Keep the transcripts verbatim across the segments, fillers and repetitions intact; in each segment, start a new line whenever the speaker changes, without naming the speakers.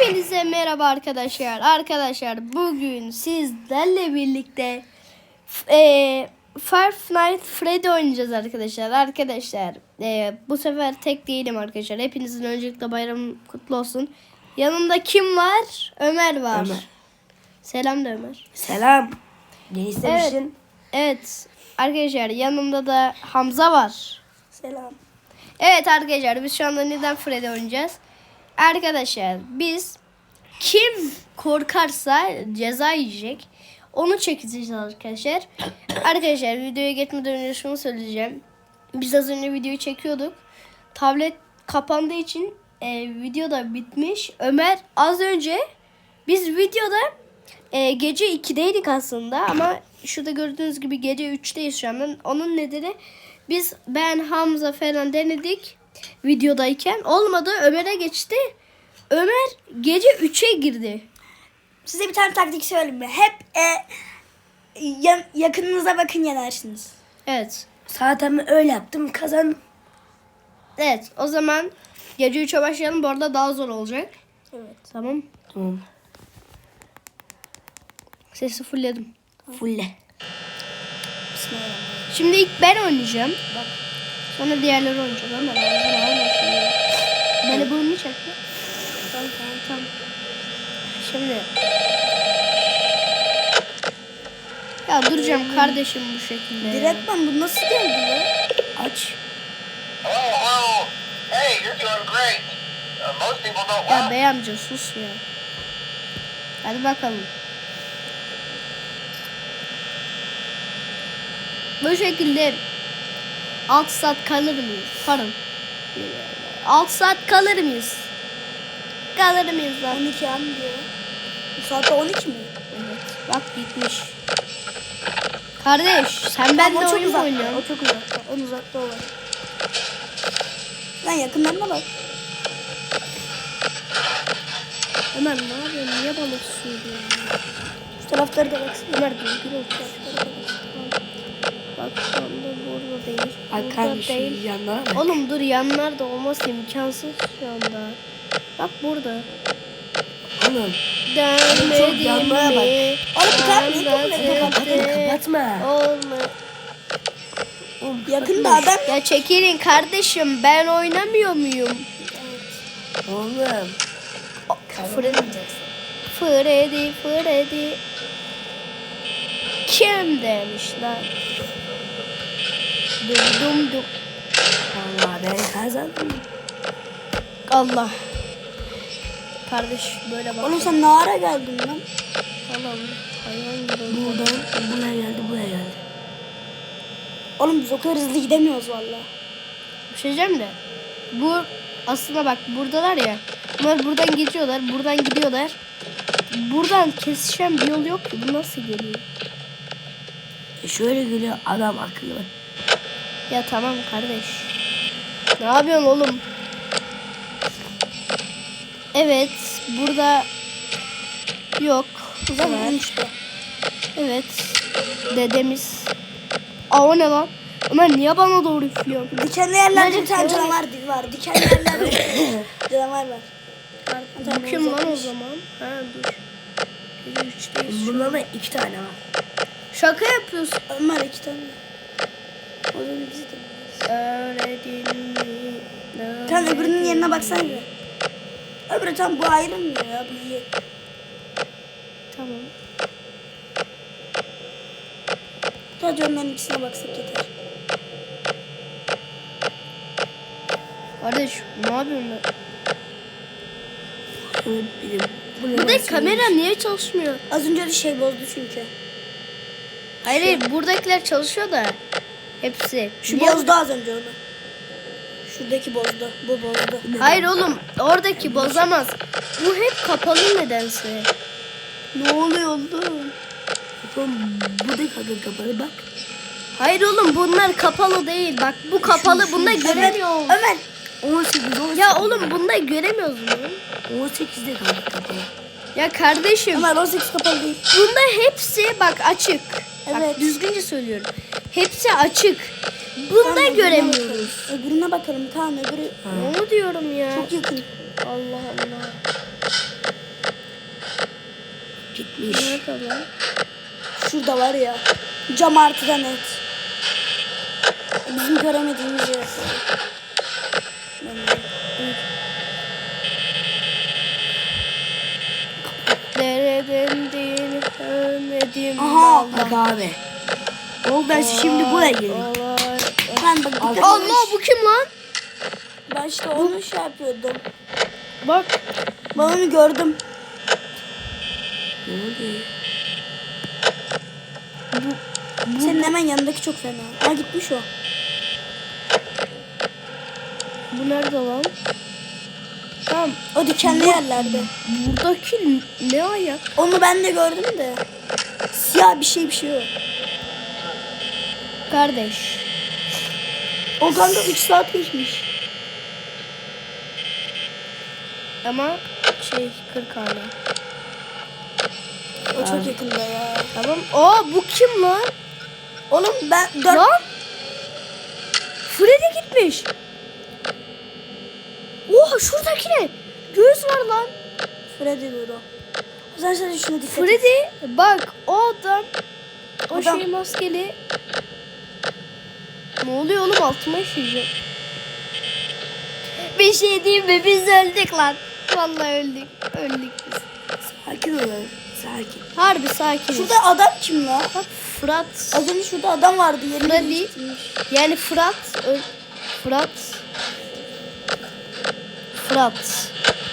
Hepinize merhaba arkadaşlar. Arkadaşlar bugün sizlerle birlikte e, Five Nights Freddy oynayacağız arkadaşlar. Arkadaşlar e, bu sefer tek değilim arkadaşlar. Hepinizin öncelikle bayram kutlu olsun. Yanımda kim var? Ömer var.
Ömer.
Selam da Ömer.
Selam. Ne istemişsin?
Evet. Evet. Arkadaşlar yanımda da Hamza var.
Selam.
Evet arkadaşlar biz şu anda neden Freddy oynayacağız? Arkadaşlar biz kim korkarsa ceza yiyecek. Onu çekeceğiz arkadaşlar. Arkadaşlar videoya geçmeden önce şunu söyleyeceğim. Biz az önce videoyu çekiyorduk. Tablet kapandığı için e, video da bitmiş. Ömer az önce biz videoda e, gece ikideydik aslında ama şurada gördüğünüz gibi gece üçteyiz şu anda. Onun nedeni biz ben Hamza falan denedik videodayken olmadı. Ömer'e geçti. Ömer gece üçe girdi.
Size bir tane taktik söyleyeyim mi? Hep e, ya- yakınınıza bakın yenersiniz.
Evet.
Zaten öyle yaptım, kazandım.
Evet o zaman gece üçe başlayalım. Bu arada daha zor olacak.
Evet.
Tamam.
Tamam.
Sesi fullledim.
Fulle.
Bismillahirrahmanirrahim.
Şimdi ilk ben oynayacağım. Bak. Sonra diğerleri oynayacak ama ağzına almasın ya. Beni burnunu çekti. Tamam tamam tamam. Şimdi. Ya duracağım kardeşim bu şekilde. ya.
Direktman bu nasıl geldi ya?
Aç.
Hello, hello. Hey, you're doing great. Uh, most people don't
Ya
laugh.
bey amca sus ya. Hadi bakalım. Bu şekilde altı saat kalır mıyız? Pardon. altı saat kalır mıyız? Kalır mıyız lan?
on iki an diyor. Bu saatte on iki mi?
Evet. Bak gitmiş. Kardeş sen benimle
Ama o çok
oyun mu
uzakta.
oynuyorsun?
O çok uzakta. En uzakta o var. Lan yakınlarına bak.
Ömer ne yapıyorsun? Niye bana söylüyorsun?
Şu tarafları da baksana.
Ömer düzgün ol. Bak şu anda burada değil.
Bak
Burada
kanka şu
değil.
yanlara bak.
Oğlum dur yanlarda olması imkansız şu anda. Bak burada.
Oğlum.
Dönmedim
yanlara bak.
mi?
Oğlum bir tane niye
Anladım.
Kapatma, kapatma.
Olma.
Oğlum,
Yakında adam.
Ya çekilin kardeşim ben oynamıyor muyum?
Oğlum.
Freddy. Freddy, Freddy. Kim demişler? Dum dum dum.
Vallahi ben kazandım.
Allah. Kardeş böyle bak.
Oğlum sen ne ara geldin lan?
Allah'ım hayvan gibi. oldu.
Buradan buraya geldi, buraya geldi.
Oğlum biz o kadar hızlı gidemiyoruz valla.
Bir şey diyeceğim de. Bu aslında bak buradalar ya. Bunlar buradan geçiyorlar. Buradan gidiyorlar. Buradan kesişen bir yol yok ki. Bu nasıl geliyor?
E şöyle geliyor adam akıllı.
Ya tamam kardeş. Ne yapıyorsun oğlum? Evet. Burada yok. Bu sefer.
Tamam işte.
Evet. Dedemiz. Aa o ne lan? Ömer niye bana doğru üflüyorsun?
Dikenli yerlerde
Nerede?
bir tane canavar var. Dikenli yerlerde canavar var.
Bu kim lan o zaman? Ha dur. Gece üçteyiz şu an.
Bunlarda iki tane var.
Şaka yapıyorsun.
Ömer iki tane. O zaman biz de.
Öğretin mi?
Tam öbürünün yerine baksana bir. Öbürü tam bu ayrılmıyor ya. Bu iyi.
Tamam.
Sadece onların ikisine baksak yeter.
Kardeş ne yapıyorsun lan?
Evet, benim.
Buradaki kamera niye çalışmıyor?
Az önce de şey bozdu çünkü.
Hayır hayır buradakiler çalışıyor da. Hepsi.
Şu
Niye-
bozdu az önce onu. Şuradaki bozdu. Bu bozdu.
Hayır oğlum oradaki bozamaz. Bu hep kapalı nedense. Ne oluyor oğlum?
Oğlum bu da kadın kapalı bak.
Hayır oğlum bunlar kapalı değil. Bak bu kapalı. Bunda göremiyoruz.
Ömer.
on sekiz, on sekiz.
Ya oğlum bunda göremiyoruz mu?
on sekizde kaldı kapalı.
Ya kardeşim
Ömer on sekiz kapalı değil.
bunda hepsi bak açık. Bak
Evet.
düzgünce söylüyorum. Hepsi açık. Bunda
Tamam, öbürüne
göremiyoruz.
bakalım. Öbürüne bakalım. Tamam öbürü
Onu diyorum ya.
çok yakın.
Allah Allah.
Gitmiş.
Nerede lan?
Şurada var ya. Cam artıda net. Bizim göremediğimiz yer.
Dereden değil ölmedim.
Aha.
Bak abi. Oğlum ben şimdi buraya girdim.
Ben bak dikkat
Allah
edin.
bu kim lan?
Ben işte onu şey yapıyordum.
Bak.
Ben onu gördüm.
Ne oluyor?
Senin hemen yanındaki çok fena. Ha gitmiş o.
Bu nerede lan? Tamam.
O dikenli yerlerde.
Buradaki ne ayak?
Onu ben de gördüm de. Siyah bir şey bir şey o.
Kardeş.
O kanka üç saat geçmiş.
Ama şey kırk hala.
O çok yakında ya.
Tamam. Aa bu kim lan?
Oğlum ben dört...
Lan. Freddy gitmiş. Oha şuradaki ne? Göz var lan.
Freddy dur o. O zaman sen şuna dikkat et.
Freddy bak o adam. O
Adam-
şey maskeli. Ne oluyor oğlum altıma işeyecek. Bir şey diyeyim mi biz öldük lan. Vallahi öldük. Öldük biz.
Sakin olun. Sakin.
Harbi sakin.
Şurada adam kim la?
Bak Fırat.
Az önce şurada adam vardı. Yerini
Freddy.
değiştirmiş.
Yani Fırat. Ö- Fırat. Fırat.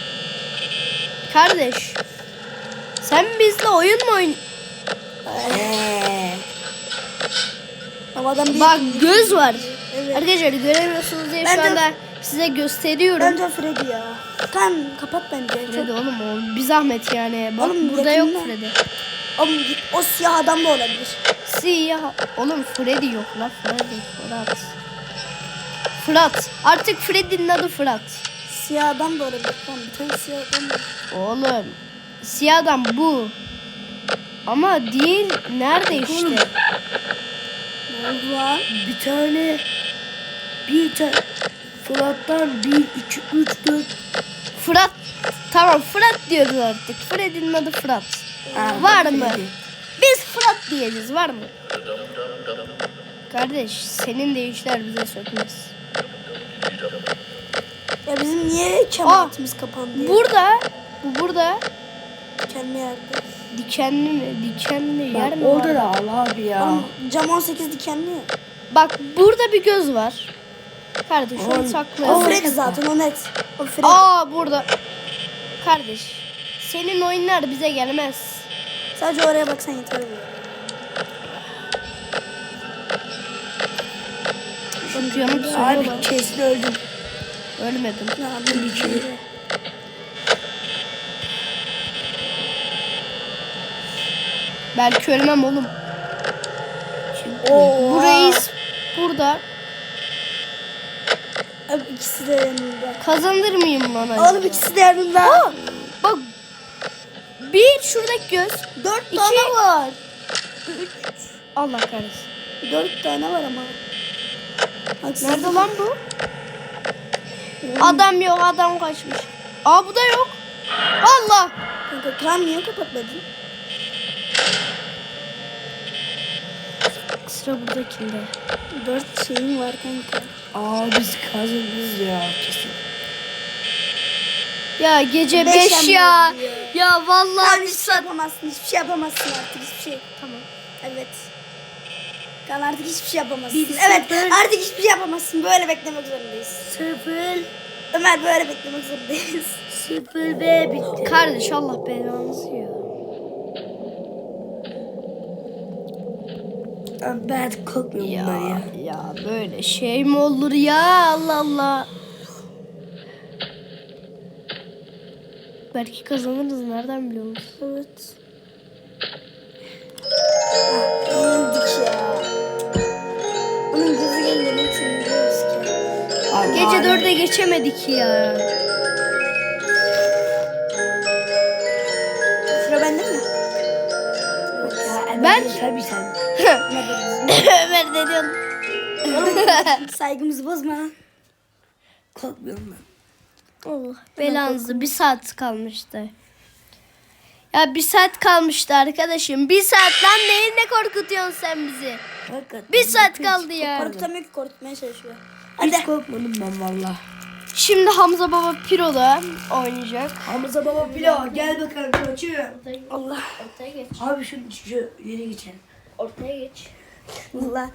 Kardeş. Sen bizle oyun mu oyun?
Eee.
Ama adam değil.
Bak göz var.
Evet.
Arkadaşlar göremiyorsunuz diye
Ben
şu
de-
anda size gösteriyorum.
Bence Freddy ya. Kan kapat bence.
Freddy
Çok...
oğlum o bir zahmet yani. Bak
Oğlum,
burada
yakında.
yok Freddy.
Oğlum, o siyah adam da olabilir.
Siyah. Oğlum Freddy yok lan. Freddy. Fırat. Fırat. Artık Freddy'nin adı Fırat.
Siyah adam da olabilir. Tamam bir tane siyah adam var.
Oğlum. Siyah adam bu. Ama değil. Nerede işte?
Ne oldu lan?
Bir tane. Bir tane. Fırat'tan bir, iki, üç, dört.
Fırat. Tamam Fırat diyoruz artık. Freddy'nin adı Fırat.
Aa,
Var
bak
mı?
Freddy.
Biz Fırat diyeceğiz. Var mı? Kardeş senin de işler bize sökmez.
Ya bizim niye kematımız kapandı ya?
Burada. Bu burada.
Kendi yerde.
Dikenli mi? Dikenli yer
Bak
mi
orada
var?
da al abi ya.
Oğlum, cam on sekiz dikenli ya.
Bak burada bir göz var. Kardeş onu
Oğlum,
O
saklayalım.
Freddy zaten o net. O Freddy.
Aa burada. Kardeş. Senin oyunlar bize gelmez.
Sadece oraya baksan yeter oluyor.
Şu yanıp
Abi
söylüyorlar.
kesin öldüm.
Ölmedim.
Ne yapayım bir şey.
Belki ölmem oğlum.
Oo.
Bu reis burada.
Abi ikisi de yanında.
Kazanır mıyım lan acaba?
Oğlum ikisi de yanında.
Aa, bak. Bir şuradaki göz.
Dört
İki.
tane var.
Allah kahretsin.
Dört tane var ama. Haksızlık.
Nerede lan bu? Adam yok, adam kaçmış. Aa bu da yok. Allah.
Kanka kan niye kapatmadın?
Sıra buradakinde.
Dört şeyim var kanka.
Aa biz kazanırız ya kesin.
Ya gece
Beş
beş
ama
ya.
oldu ya.
Ya vallahi
Kan
bir
hiçbir şey
saat.
yapamazsın. Hiçbir şey yapamazsın artık. Hiçbir şey.
Tamam.
Evet. Kan artık hiçbir şey yapamazsın.
Bir
Evet
sıfır.
artık hiçbir şey yapamazsın. Böyle beklemek zorundayız.
Sıfır.
Ömer böyle beklemek zorundayız.
Sıfır B bitti.
Kardeş Allah belanızı ya.
Abi ben korkmuyorum
Ya,
bundan ya.
ya böyle şey mi olur ya Allah Allah. Belki kazanırız nereden biliyoruz?
Evet. Yenildik ya. Onun gözü gelince ne için biliyoruz ki?
Abi,
Gece
abi.
dörde geçemedik ya.
Sıra bende mi?
Ya,
Ben-
ben tabii sen.
Ömer ne diyorsun?
Oğlum saygımızı bozma.
Korkmuyorum ben.
Allah belanızı bir saat kalmıştı. Ya bir saat kalmıştı arkadaşım. Bir saat lan neyinle korkutuyorsun sen bizi?
Hakikaten.
Bir saat kaldı ya.
Korkutamıyor ki, korkutmaya çalışıyor.
Hiç
Hadi.
korkmadım ben valla.
Şimdi Hamza Baba Piro'da oynayacak.
Hamza baba pilav gel bakalım koçum.
Allah.
Ortaya geç.
Abi şu, şu ileri geçelim.
Ortaya geç.
Allah.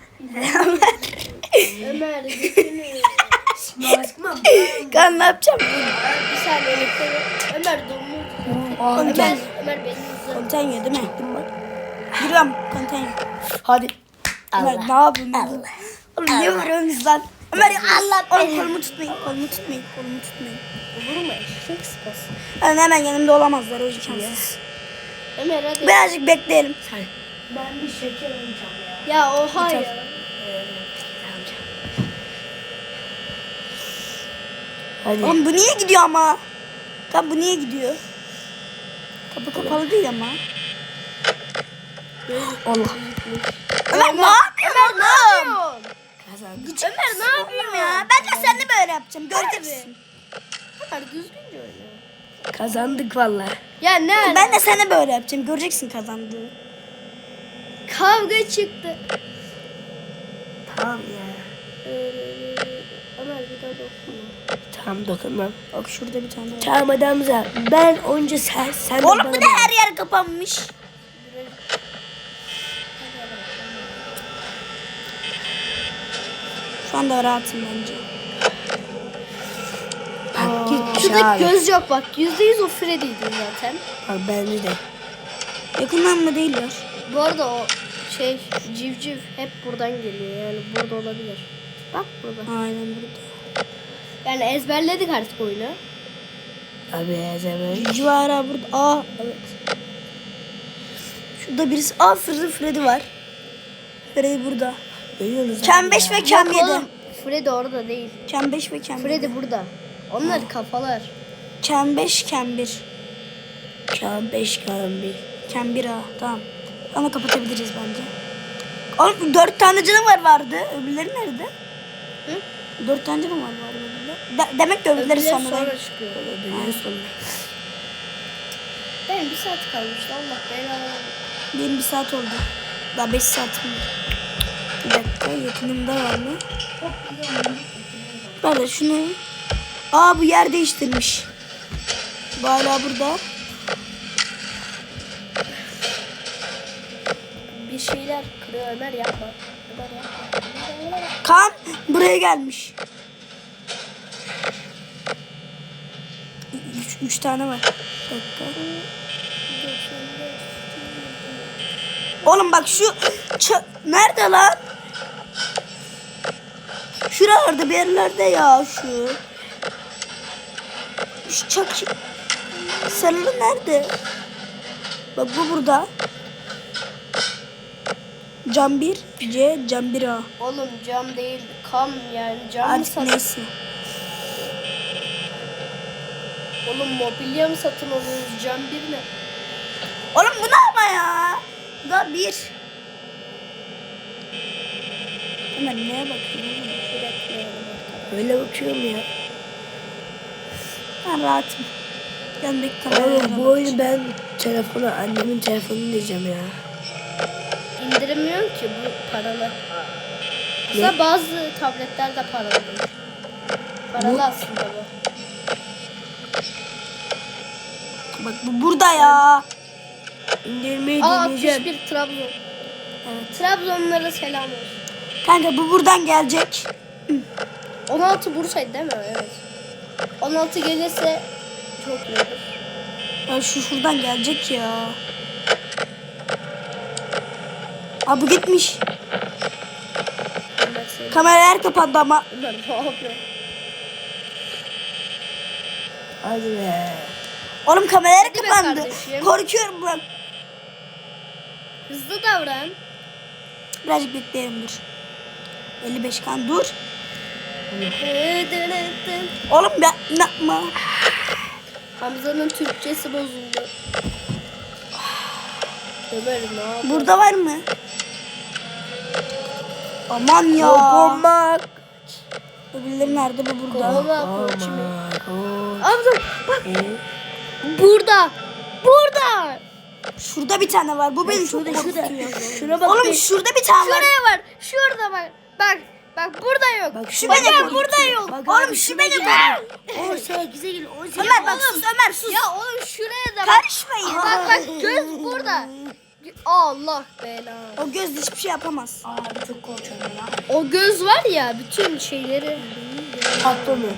Ömer götünü.
Aşkım
Kan ne yapacağım?
Bir saniye bekle. Ömer donmuş. Ömer,
Konten.
Ömer beni izle.
Konten yiyor değil mi? Giriyorum. Konten yiyor.
Hadi.
Ömer ne yapıyorsun? Allah. Oğlum niye vuruyorsunuz lan? Ömer Allah. Oğlum kolumu tutmayın. Kolumu tutmayın. Kolumu tutmayın.
Vurma eşek sıpası.
Yani hemen yanımda olamazlar o imkansız.
Ömer hadi.
Birazcık bekleyelim.
Ben bir şeker alacağım ya.
Ya oha ya.
Hadi.
Oğlum bu niye gidiyor ama? Tam bu niye gidiyor? Kapı kapalı değil ama.
Allah.
Ömer ne yapıyorsun oğlum?
Kazandık.
Ömer ne yapıyorsun
Ya ben de sen de böyle yapacağım. Göreceksin.
Ömer düzgünce oyna.
Kazandık valla.
Ya ne?
Ben de sana böyle yapacağım. Göreceksin kazandığını.
Kavga çıktı.
Tamam ya.
Ömer bir daha dokunma.
Tamam dokunmam.
Bak şurada bir tane var.
Tamam hadi Hamza. Ben önce sen, sen de
Oğlum
bana
bu da
bak.
her yer kapanmış. Şu anda rahatım bence.
Bak git
Şurada
aşağı.
göz yok bak. Yüzde yüz o Freddy'ydi zaten.
Bak bence de.
Yakından mı değiller?
Bu arada o şey civciv hep buradan geliyor. Yani burada olabilir. Bak burada.
Aynen burada.
Yani ezberledik artık oyunu.
Abi ezeme.
Civara burada. Aa evet. Şurada birisi. Aa Freddy Freddy var. Freddy burada.
Görüyorsunuz
Kem
abi
beş
ya.
ve Kem
Yok
yedi.
oğlum, Freddy orada değil.
Kem beş ve Kem yedi.
Freddy burada. Onlar kafalar.
Kem beş, Kem bir.
Kan beş kan bir.
Kem bir ha. Tamam. Onu kapatabiliriz bence. Oğlum dört tane canavar vardı. Öbürleri nerede?
Hı?
Dört tane canavar vardı öbürleri. De- demek ki öbürleri
Öbürleri
sonra.
sonra çıkıyor.
Öbürleri sonra.
Benim bir saat kalmıştı. Allah belanı.
Benim bir saat oldu. Daha beş saatim var. Bir dakika yakınımda var mı? Böyle şunu. Aa bu yer değiştirmiş. Bu hala burada.
Bir şeyler kırıyor Ömer yapma. Ömer yapma. Ömer yapma.
Kan buraya gelmiş. Üç, üç tane var. Bir dakika. Oğlum bak şu ça- nerede lan? Şuralarda bir yerlerde ya şu. Şu çak sarılı nerede? Bak bu burada. Cam bir C, cam bir A.
Oğlum cam değil kam yani cam mı
Artık
satın?
neyse.
Oğlum mobilya mı satın alıyoruz cam bir ne?
Oğlum bu ne ama ya? Bu da bir. Ömer neye bakıyorsun?
Öyle bakıyorum ya.
Ben rahatım. Yanındaki kameraya
Oğlum bu
bak.
oyunu ben telefona, annemin telefonunu diyeceğim ya.
İndiremiyorum ki bu paralı. Aslında bazı tabletler de paralı değil. Paralı
Bu-
aslında bu.
Bak bu burada ya.
İndirmeyi
Aa
deneyeceğim.
altmış bir Trabzon. Evet. Trabzonlara selam olsun.
Kanka bu buradan gelecek.
on altı Bursa'ydı değil mi? Evet. on altı gelirse çok iyi olur.
Ya şu şuradan gelecek ya. Aa bu gitmiş.
Ömer seni.
Kameralar kapandı ama.
Ömer ne yapıyor?
Hadi be.
Oğlum kameralar
Hadi be
kapandı.
kardeşim.
Korkuyorum ben.
Hızlı davran.
Birazcık bekleyelim dur. elli beş kan dur. Oğlum ben ne yapma.
Hamza'nın Türkçesi bozuldu. Ömer ne yapıyor?
Burada var mı? Aman ya.
Kopamak.
Öbürleri nerede? Bu burada.
Kovala koçum.
Kopamak.
Hamza bak
Ee,
burada. Burada.
Şurada bir tane var. Bu beni çok
Şurada şurada.
korkutuyor.
Şuna bak.
Oğlum
be.
şurada bir tane var.
Şuraya var. Şurada bak. Bak. Bak burada yok.
Bak,
Şu
bak,
beni
bak.
burada yok.
Bak
Oğlum
abi,
şu
şuna
beni
gel.
burada.
on sekize gel. on sekize.
Ömer bak sus Ömer sus.
Ya oğlum şuraya da bak.
Karışmayın.
Bak bak göz burada. Allah belanı.
O göz hiçbir şey yapamaz.
Abi çok korkuyorum ya.
O göz var ya bütün şeyleri.
Patlamıyor.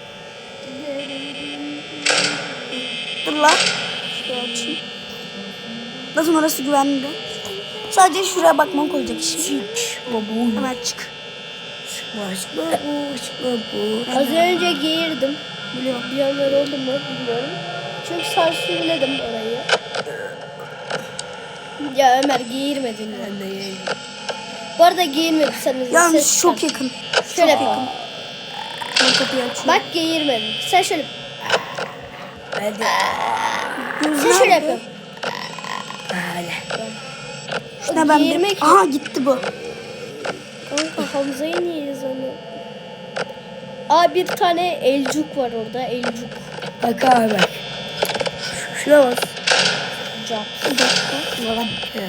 Dur lan. Şuraya açayım. Nasıl orası güvenli? Sadece şuraya bakmam koyacak işim.
Çık. Baba.
Ömer çık.
Çıkma çıkma bu. Çıkma bu.
Az önce geğirdim.
Biliyorum.
Duyanlar oldu mu bilmiyorum. Çünkü sansürledim orayı. Ya Ömer geğirmedin ya.
Ben de yeğenim.
Bu arada geğirmediyseniz
Yalnız
ses
çok
çıkar.
yakın.
Şöyle yapalım.
Ben kapıyı açıyorum.
Bak geğirmedin. Sen şöyle.
Ben de.
Sen şöyle yapıyorsun.
Böyle.
Şuna ben
Geğirmek-
bir... Aha gitti bu.
Kanka Hamza'yı niye yazanı? Aa bir tane elcuk var orada. Elcuk.
Bak abi. Şuna bas.
Cap.
Ulan.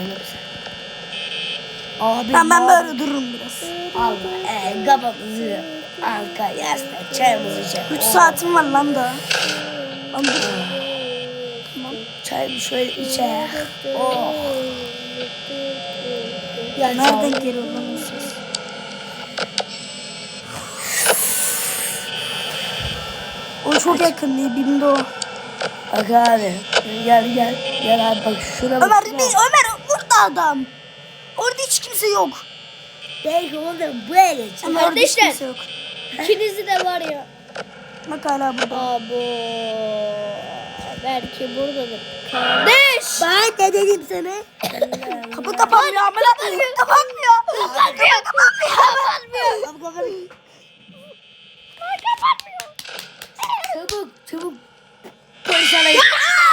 Abi.
Ben, ben böyle dururum biraz.
Allah. E, kafamızı. Arka yastık. Çayımızı içelim.
üç saatim var lan daha. Lan dur.
Çayımı şöyle içe. Oh. Ya
Nereden geliyor lan o ses? O çok yakın değil, bimde o.
Bak abi. Gel gel. Gel abi bak şuna bak.
Ömer, bir, Ömer burada adam. Orada hiç kimse yok.
Belki oğlum böyle.
Ömer, orada hiç
Kardeşler.
kimse yok.
İkinizi de var ya.
Bak hala burada.
Abo. Belki buradadır. Kardeş.
Ben de dedim sana.
Kapı kapanmıyor. Amına koyayım. Kapanmıyor.
Kapatmıyor. Kapatmıyor.
Kapatmıyor. Çabuk çabuk. Konuşana git.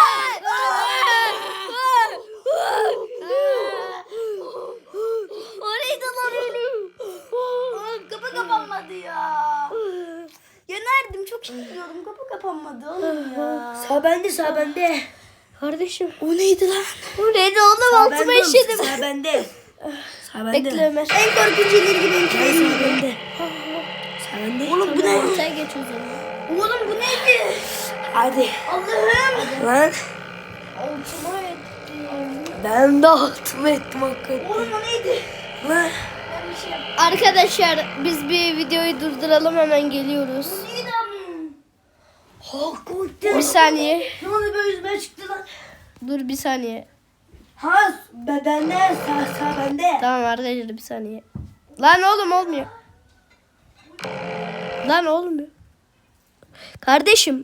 O neydi lan öyle?
Oğlum kapı kapanmadı ya. Yenerdim, çok iyi gidiyordum. Kapı kapanmadı oğlum ya.
Sağ bende sağ bende.
Kardeşim.
O neydi lan?
O neydi oğlum?
Sağ
Altıma
bende.
işedim.
Sağ bende. Sağ bende.
Bekle Ömer.
En korkunç ileri benimki.
Hayır sağ bende. Sağ bende.
Oğlum bu ne?
Sen geç o zaman.
Oğlum bu neydi?
Hadi.
Allah'ım.
Lan.
Altıma ettim.
Ben de altıma ettim hakikaten.
Oğlum o neydi?
Lan.
Arkadaşlar biz bir videoyu durduralım, hemen geliyoruz.
Neydi abi?
Hakikaten.
Bir saniye.
Ne oldu böyle yüzüme çıktı lan?
Dur bir saniye.
Ha ben bende sağ sağ bende.
Tamam arkadaşlar bir saniye. Lan oğlum olmuyor. Lan olmuyor. Kardeşim.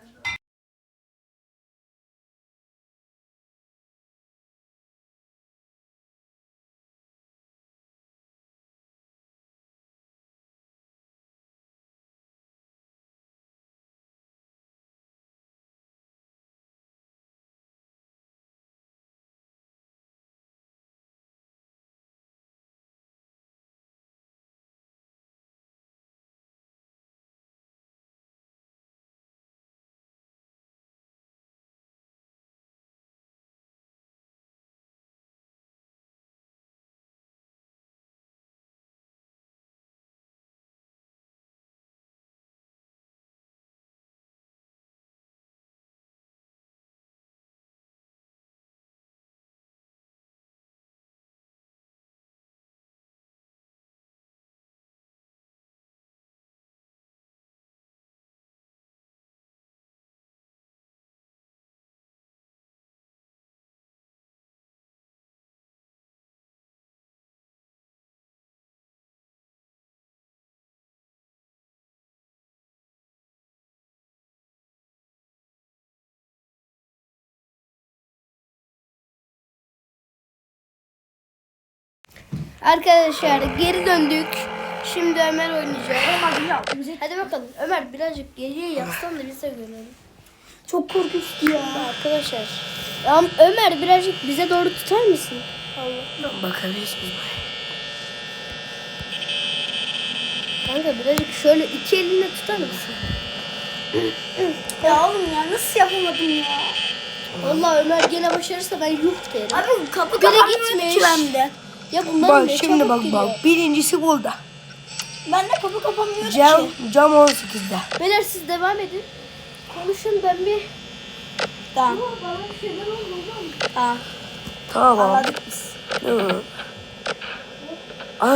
Arkadaşlar geri döndük. Şimdi Ömer oynayacak. Hadi bakalım. Ömer birazcık geriye yatsan da bize görelim.
Çok korkunçtu ya.
Arkadaşlar. Ya Ömer birazcık bize doğru tutar mısın? Allah.
Bakabilirsin.
Kanka birazcık şöyle iki elinle tutar mısın?
Ya oğlum ya nasıl yapamadım ya?
Vallahi Ömer gene başarırsa ben yuh derim.
Abi kapı
Biri
kapanmıyor
gitmiş.
ki bende.
Ya bunların
Bak
ne
şimdi
çabuk
bak
gidiyor.
bak. Birincisi burada.
Bende kapı kapanmıyor
Cam,
ki.
cam on sekizde.
Beyler siz devam edin. Konuşun ben bir...
Tamam.
Bana bir şeyler oldu oğlum.
Tamam.
Tamam.
Anladık biz.
Hı. Ah.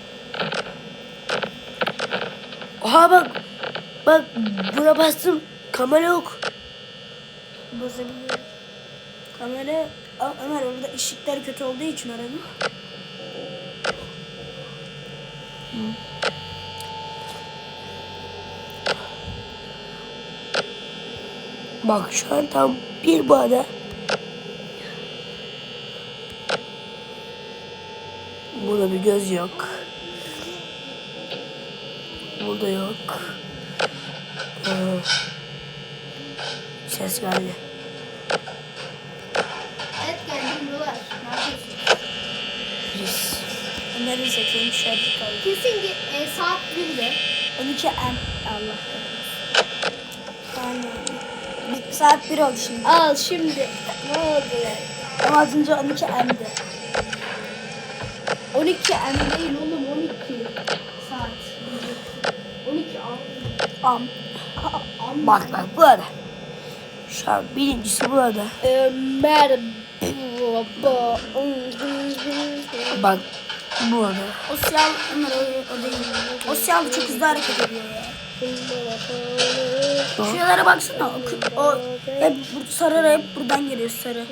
Oha bak. Bak buna bastım. Kamera yok.
Bozabiliyorum. Kamera... Aa, Ömer orada ışıklar kötü olduğu için aranın.
Bak şu an tam bir bağda. Burada bir göz yok. Burada yok. Ee, ses geldi.
Evet geldim buralar. Ne yapıyorsun?
Biz.
Ömer'in seksen dışarıda kaldı.
Kesin ki e, saat birde.
on iki M. Allah kahretsin. Aynen. Bir saat bir oldu şimdi.
Al şimdi. Ne oldu ya?
Ama az önce on iki M'di.
on iki M değil oğlum on iki saat. on iki am.
Am.
Am.
Bak bak burada. Şu an birincisi burada.
Ömer baba.
Bak burada.
O siyah Ömer o, o değil. O siyah çok hızlı hareket ediyor ya. Şuralara baksana. O, kı- o hep bu sarı hep buradan geliyor sarı.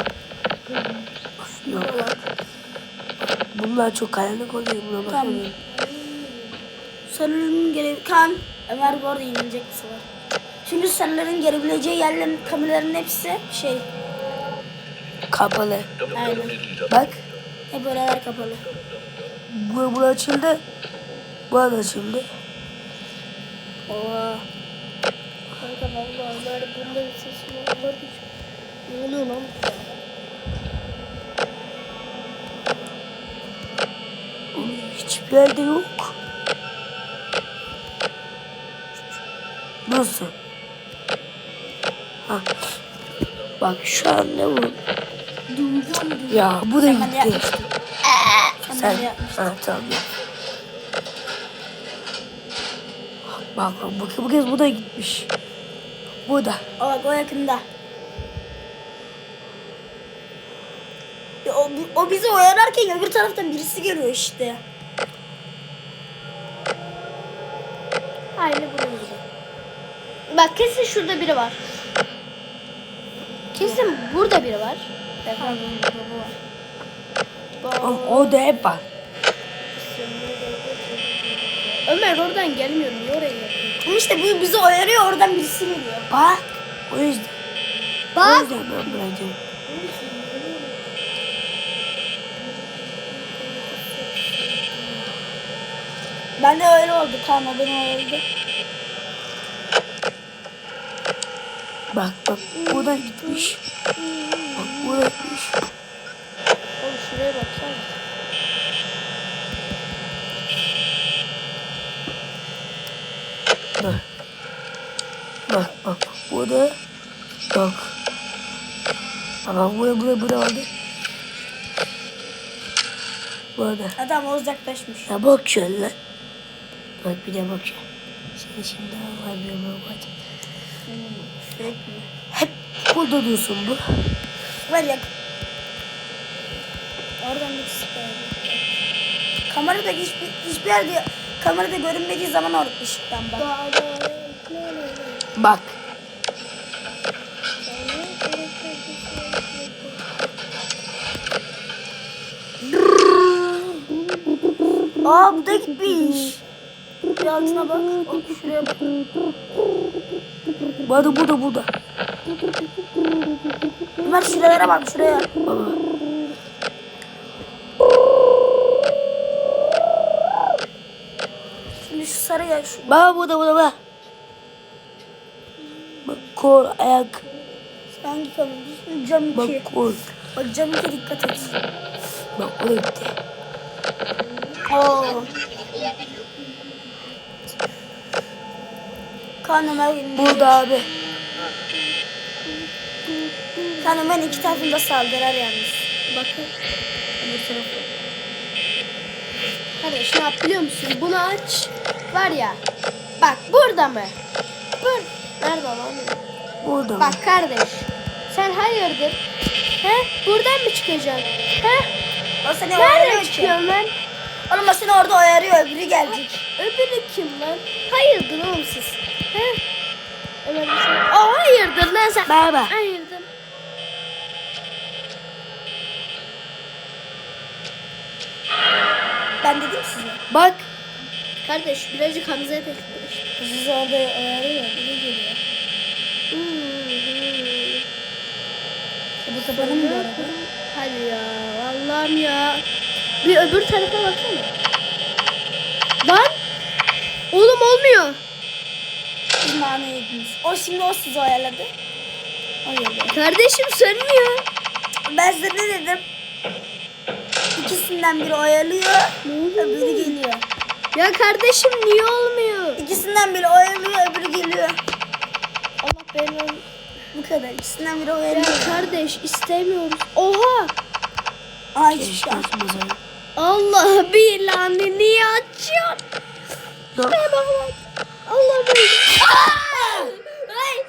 Yok. Bunlar çok karanlık oluyor. Buna
Tamam.
bakalım.
Sarıların gele... Kan. Ömer bu arada yenilecek bir var. Çünkü sarıların gelebileceği yerlerin kameraların hepsi şey.
Kapalı.
Aynen.
Bak.
Hep oralar kapalı.
Bu, bu açıldı. Bu da açıldı.
Oha.
Kanka vallahi Ömer bunda bir sesim olmadı hiç. Ne oluyor lan?
Oğlum hiçbir yerde yok. Nasıl? Ha. Bak şu an ne bu? Ya bu da
Sen bana
gitti.
yapmıştın. Sen
Sen.
bana yapmıştın.
Ha tamam. Bak bak bu, bu kez bu da gitmiş. Bu da.
O bak o yakında. Ya o, o bizi oyalarken öbür taraftan birisi geliyor işte.
Aynı bunun gibi. Bak kesin şurada biri var. Kesin burada biri var.
Efendim bu var.
Oğlum, o da hep var.
Ömer oradan gelmiyor. Niye oraya yapıyor?
Ama işte bu bizi oyalıyor oradan birisi geliyor.
Bak. O yüzden. O
Bak.
yüzden ben bırakacağım.
Ben de öyle oldu kanka beni oyaladı.
Bak bak bu da gitmiş. Bak bu da gitmiş.
Oğlum şuraya baksana.
Bak. Bak bak bu da yok. Ama bu da bu da bu da vardı. Bu da.
Adam o uzaklaşmış.
Ya bak şöyle. Bak bir de bak şöyle. Seni şimdi var bir bak.
Sürekli.
Hep burada dursun bu.
Ver yak. Oradan birisi geldi. Kamerada hiçbir, hiçbir yerde kamerada görünmediği zaman orada ışıktan bak.
Bak.
Aa bu da gitmiş. Bir altına bak. Bak şuraya bak.
Bu da bu da bu da.
Ömer şuralara bak şuraya.
Baba.
Şimdi şu sarı ya şu.
Baba bu da bu da bak. Bak kol ayak.
Hangi kamera? Cam iki.
Bak kol.
Bak cam iki dikkat et.
Bak o da gitti.
Oo. Kan Ömer yenilecek.
Burada abi.
Kanka ben iki tarafında saldırar yalnız.
Bakın.
Öbür tarafı.
Kardeş ne yap biliyor musun? Bunu aç. Var ya. Bak burada mı? Bur. Nerede lan?
Burada mı?
Bak kardeş. Sen hayırdır? He? Buradan mı çıkacaksın? He?
O seni
Nereden
oyarıyor ki.
çıkıyorsun lan?
Oğlum o seni orada oyarıyor. Öbürü gelecek.
Öbürü kim lan? Hayırdır oğlum siz? He? Ömer bir şey. Aa hayırdır lan sen?
Merhaba.
Hayırdır.
Ben dedim size.
Bak. Kardeş birazcık Hamza'ya bekliyor.
Siz orada oyarıyor. Biri geliyor. Bu kapanı mı bu arada?
Hadi ya Allah'ım ya. Bir öbür tarafa baksana. Lan. Oğlum olmuyor.
Siz nane yediniz. O şimdi o sizi oyaladı. Oyaladı.
Kardeşim sönmüyor.
Ben size ne dedim? İkisinden biri oyalıyor. Öbürü geliyor.
Ya kardeşim niye olmuyor?
İkisinden biri oyalıyor. Öbürü geliyor.
Allah belanı.
Bu kadar. İkisinden biri
Ya
oyalıyor.
kardeş istemiyoruz. Oha.
Aa hiçbir şey açmaz.
Allah bilanı niye açıyorsun?
Dur.
Şuraya bak lan. Allah bilanı.
Ay.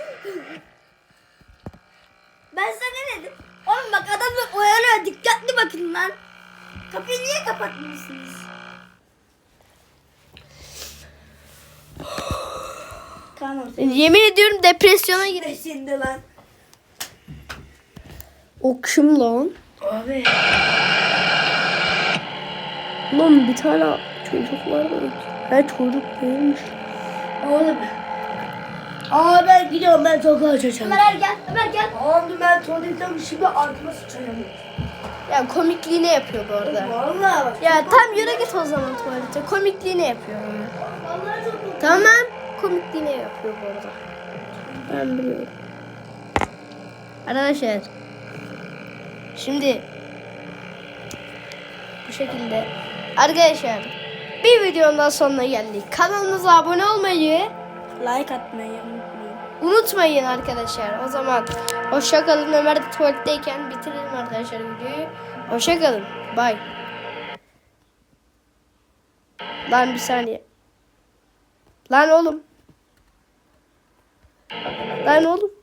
Ben sana ne dedim? Oğlum bak adamlar oyalıyor. Dikkatli bakın lan. Kapıyı niye kapatmıyorsunuz? Tamam.
Yemin ediyorum depresyona girdim.
Şimdi lan.
O kim lan?
Abi.
Lan bir tane çocuk var mı? Ha çocuk değilmiş.
Oğlum. Aa ben gidiyorum, ben topu açacağım.
Ömer gel. Ömer gel.
Oğlum ben tuvaletten şimdi artıma sıçrayamıyorum.
Ya komikliğini yapıyor bu arada.
Vallahi bak.
Ya tam yürü git o zaman tuvalete. Komikliğini yapıyor. Yani.
Vallahi çok
Tamam. Komikliğini yapıyor bu arada. Ben biliyorum. Arkadaşlar. Şimdi bu şekilde arkadaşlar bir videonun daha sonuna geldik. Kanalımıza abone olmayı
Like atmayı unutmayın.
unutmayın arkadaşlar. O zaman hoşça kalın. Ömer de tuvaletteyken bitirelim arkadaşlar videoyu. Hoşça kalın. Bye. Lan bir saniye. Lan oğlum. Lan oğlum.